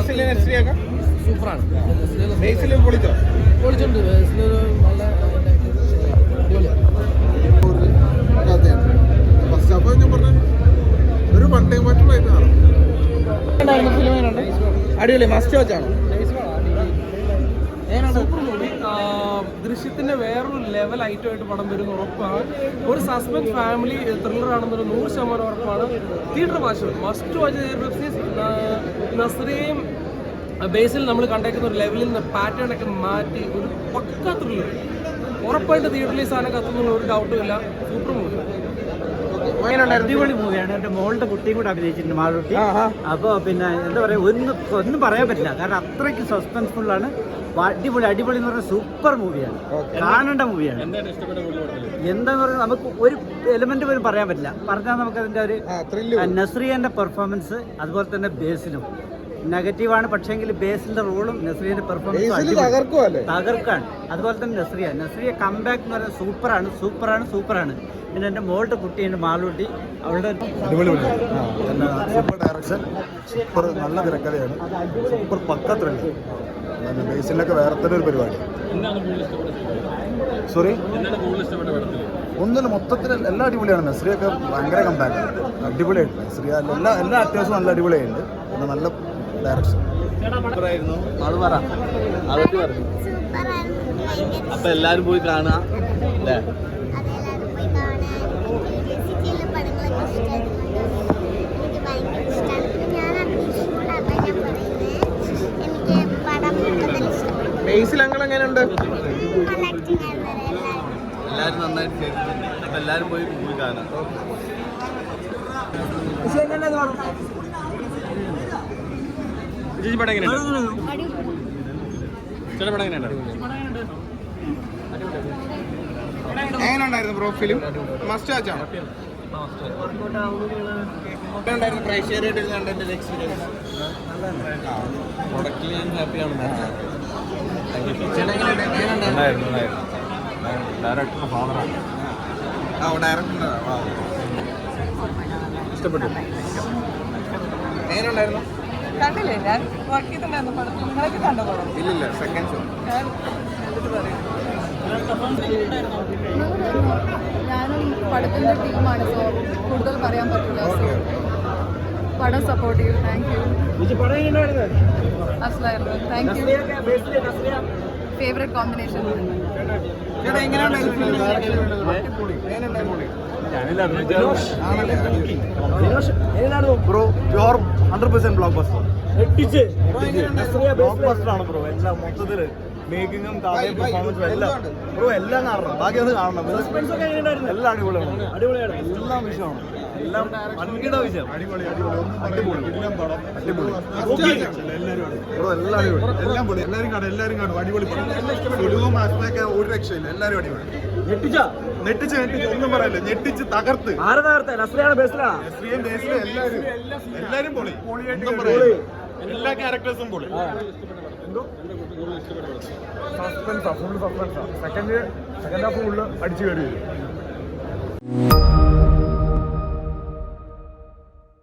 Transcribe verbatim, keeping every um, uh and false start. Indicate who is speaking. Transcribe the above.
Speaker 1: സൂപ്പറാണ്.
Speaker 2: പൊളിച്ചോ
Speaker 1: പൊളിച്ചുണ്ട്. നല്ല
Speaker 2: first half ഞാൻ പറഞ്ഞ ഒരു വൺ ടൈം വാച്ചിങ്
Speaker 1: അടിപൊളി. മസ്റ്റ് വാച്ചാണോ?
Speaker 3: ദൃശ്യത്തിന്റെ വേറൊരു ലെവൽ ഐറ്റമായിട്ട് പടം വരുന്ന ഉറപ്പാണ്. ഒരു സസ്പെൻസ് ഫാമിലി ത്രില്ലർ ആണെന്നൊരു നൂറ് ശതമാനം ഉറപ്പാണ്. Theatre watch must watch. നസ്രിയയും ബേസിൽ നമ്മൾ കണ്ടേക്കുന്ന ഒരു ലെവലിൽ നിന്ന് പാറ്റേൺ ഒക്കെ മാറ്റി ഒരു പക്ക ത്രില്ലർ ഉറപ്പായിട്ട് തിയേറ്ററിൽ സാധനം കത്തുന്നുള്ള ഒരു ഡൗട്ടും ഇല്ല. Super movie.
Speaker 4: അടിപൊളി മൂവിയാണ്. എന്റെ മോളുടെ കുട്ടിയും കൂടെ അഭിനയിച്ചിട്ടുണ്ട്, മാളൂട്ടി. അപ്പൊ പിന്നെ എന്താ പറയാ, ഒന്നും ഒന്നും പറയാൻ പറ്റില്ല. കാരണം അത്രയ്ക്ക് സസ്പെൻസ്ഫുൾ ആണ്. അടിപൊളി അടിപൊളി എന്ന് പറഞ്ഞാൽ സൂപ്പർ മൂവിയാണ്, കാണേണ്ട മൂവിയാണ്. എന്താന്ന് പറഞ്ഞാൽ നമുക്ക് ഒരു എലിമെന്റ് പോലും പറയാൻ പറ്റില്ല. പറഞ്ഞാൽ നമുക്ക് അതിന്റെ ഒരു നസ്രിയന്റെ പെർഫോമൻസ്, അതുപോലെ തന്നെ ബേസിലും നെഗറ്റീവാണ്. പക്ഷേങ്കിൽ ബേസിന്റെ റോളും നസ്രിയന്റെ പെർഫോമൻസും തകർക്കാണ്. അതുപോലെ തന്നെ നസ്രിയ നസ്രിയ കംബാക്ക് എന്ന് പറയുന്നത് സൂപ്പറാണ് സൂപ്പറാണ് സൂപ്പറാണ്. പിന്നെ എൻ്റെ മോളുടെ കുട്ടിയുണ്ട്, മാളൂട്ടി. അവളുടെ
Speaker 2: സൂപ്പർ ഡയറക്ഷൻ, സൂപ്പർ നല്ല തിരക്കഥയാണ്, സൂപ്പർ പക്ക ത്രില്ലർ. ബേസിലൊക്കെ വേറെ തന്നെ ഒരു പരിപാടി. സോറി ഒന്നുമില്ല, മൊത്തത്തിൽ എല്ലാം അടിപൊളിയാണ്. നസ്രിയൊക്കെ ഭയങ്കര കമ്പാക്ക്, അടിപൊളിയായിട്ട്. നസ്രിയ എല്ലാ എല്ലാ ആക്ടേഴ്സും നല്ല അടിപൊളിയായിട്ടുണ്ട്. പിന്നെ നല്ല ഡയറക്ഷൻ.
Speaker 5: അപ്പൊ എല്ലാരും പോയി കാണുക അല്ലേ?
Speaker 1: ബേസിൽ അങ്ങനെ എങ്ങനെയുണ്ട്?
Speaker 5: എല്ലാരും നന്നായിട്ട് ചെയ്തിട്ടുണ്ട്. അപ്പൊ എല്ലാരും പോയി പോയി കാണാം.
Speaker 3: പടം എങ്ങനെയുണ്ട്? പടം എങ്ങനെയുണ്ട്?
Speaker 1: എങ്ങനെയുണ്ടായിരുന്നു ബ്രോ ഫിലിം? മസ്റ്റ് വാച്ചാണോ? പ്രേക്ഷകരായിട്ട് കണ്ടതിന്റെ എക്സ്പീരിയൻസ്?
Speaker 5: പ്രൊഡക്റ്റിൽ ഞാൻ ഹാപ്പിയാണ്.
Speaker 2: ഡയറക്ടർ ഫാദറാണ്.
Speaker 1: ഇഷ്ടപ്പെട്ടു. എങ്ങനെയുണ്ടായിരുന്നു?
Speaker 6: കണ്ടില്ലേ, ഞാൻ വർക്ക് ചെയ്തിട്ടുണ്ടായിരുന്നു പടം. നിങ്ങളൊക്കെ കണ്ടോ പടം?
Speaker 1: ഇല്ലില്ല, സെക്കൻഡ് ഷോ.
Speaker 6: ഞാനും പടത്തിന്റെ ടീമാണ്, സോ കൂടുതൽ പറയാൻ പറ്റില്ല. പടം സപ്പോർട്ട് ചെയ്യൂ. Thank you. അസ്ലായിരുന്നു. Thank you. Favourite combination.
Speaker 2: Bro pure hundred percent blockbuster. Blockbuster ആണ് ബ്രോ. എല്ലാം മൊത്തത്തില് മേക്കിങ്ങും കഥയും പെർഫോമൻസും എല്ലാം ബ്രോ എല്ലാം കാണണം. ബാക്കി അത് കാണണം. എല്ലാം അടിപൊളിയാണ്, അടിപൊളിയാണ്. എല്ലാം വിഷയമാണ്, എല്ലാം വൻകിട വിഷയം. അടിപൊളി അടിപൊളി അടിപൊളി എല്ലാം പടം അടിപൊളി. ബ്രോ എല്ലാം അടിപൊളി, എല്ലാം പൊളി. എല്ലാവരും കാണും, എല്ലാവരും കാണും. അടിപൊളി സുലുവും ആസ്മയൊക്കെ ഒരു രക്ഷയില്ല. എല്ലാവരും അടിപൊളി. ഞെട്ടിച്ച നെട്ടിച്ച് നെട്ടിച്ച് ഒന്നും പറയല്ലേ, ഞെട്ടിച്ച് തകർത്ത്. നസ്രിയയും ബേസിലും എല്ലാവരും എല്ലാവരും പൊളി. ഒന്നും പറയില്ല, എല്ലാ ക്യാരക്ടേഴ്സും പൊളി. എന്തോ സസ്പെൻസാ, ഫുള്ള് സസ്പെൻസാ. സെക്കൻഡ് സെക്കൻഡ് ഹാഫ് ഫുള്ള് അടിച്ചു കയറി വരും.